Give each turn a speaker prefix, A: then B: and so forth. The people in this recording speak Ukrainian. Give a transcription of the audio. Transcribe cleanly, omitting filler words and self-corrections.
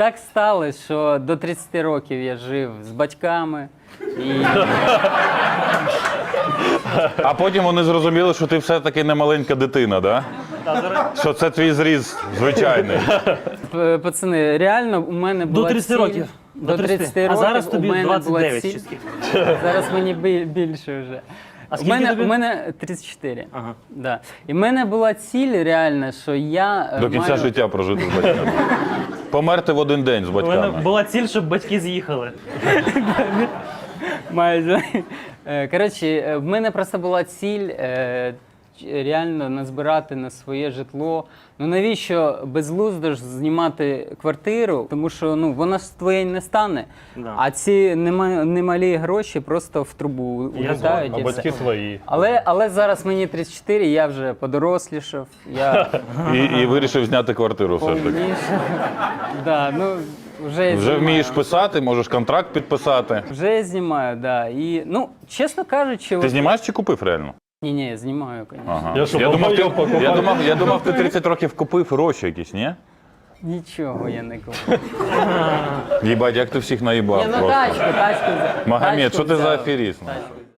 A: так сталося, що до 30 років я жив з батьками. І...
B: А потім вони зрозуміли, що ти все-таки не маленька дитина, да? Що це твій зріз звичайний.
A: Пацани, реально у мене була
C: До 30
A: ціль...
C: років.
A: До 30 років
C: А зараз
A: у
C: тобі
A: мене
C: 29
A: була
C: чи
A: ціль...
C: скільки?
A: Зараз мені більше вже.
C: А
A: У
C: скільки тобі?
A: мене 34.
C: Ага.
A: Да. І в мене була ціль реальна, що я
B: До кінця
A: маю...
B: життя прожити з батьками. Померти в один день з
C: У мене
B: батьками.
C: була ціль, щоб батьки з'їхали.
A: Майже. Коротше, в мене просто була ціль реально назбирати на своє житло. Ну навіщо безглуздо ж знімати квартиру, тому що ну, вона ж твоєю не стане.
C: Да.
A: А ці немалі гроші просто в трубу улітають.
D: А
A: і
D: батьки
A: все.
D: свої.
A: Але зараз мені 34, я вже подорослішав, я
B: І вирішив зняти квартиру все ж таки.
A: повніше. Да, ну, вже я
B: Вже
A: знімаю.
B: вмієш писати, можеш контракт підписати.
A: Вже я знімаю, да. І, ну, чесно кажучи,
B: Ти знімаєш чи купив реально?
A: Ні, я знімаю, звісно.
B: Ага.
D: Я що,
B: думав,
D: помойку покупав?
B: я думав, ти 30 років купив гроші якісь, ні?
A: Нічого я не купив.
B: Їбать, як ти всіх наїбав
A: Ні, ну
B: просто.
A: тачку взяв.
B: Магомед,
A: Тачку
B: що ти за
A: взяв.
B: аферіст?
A: Тачку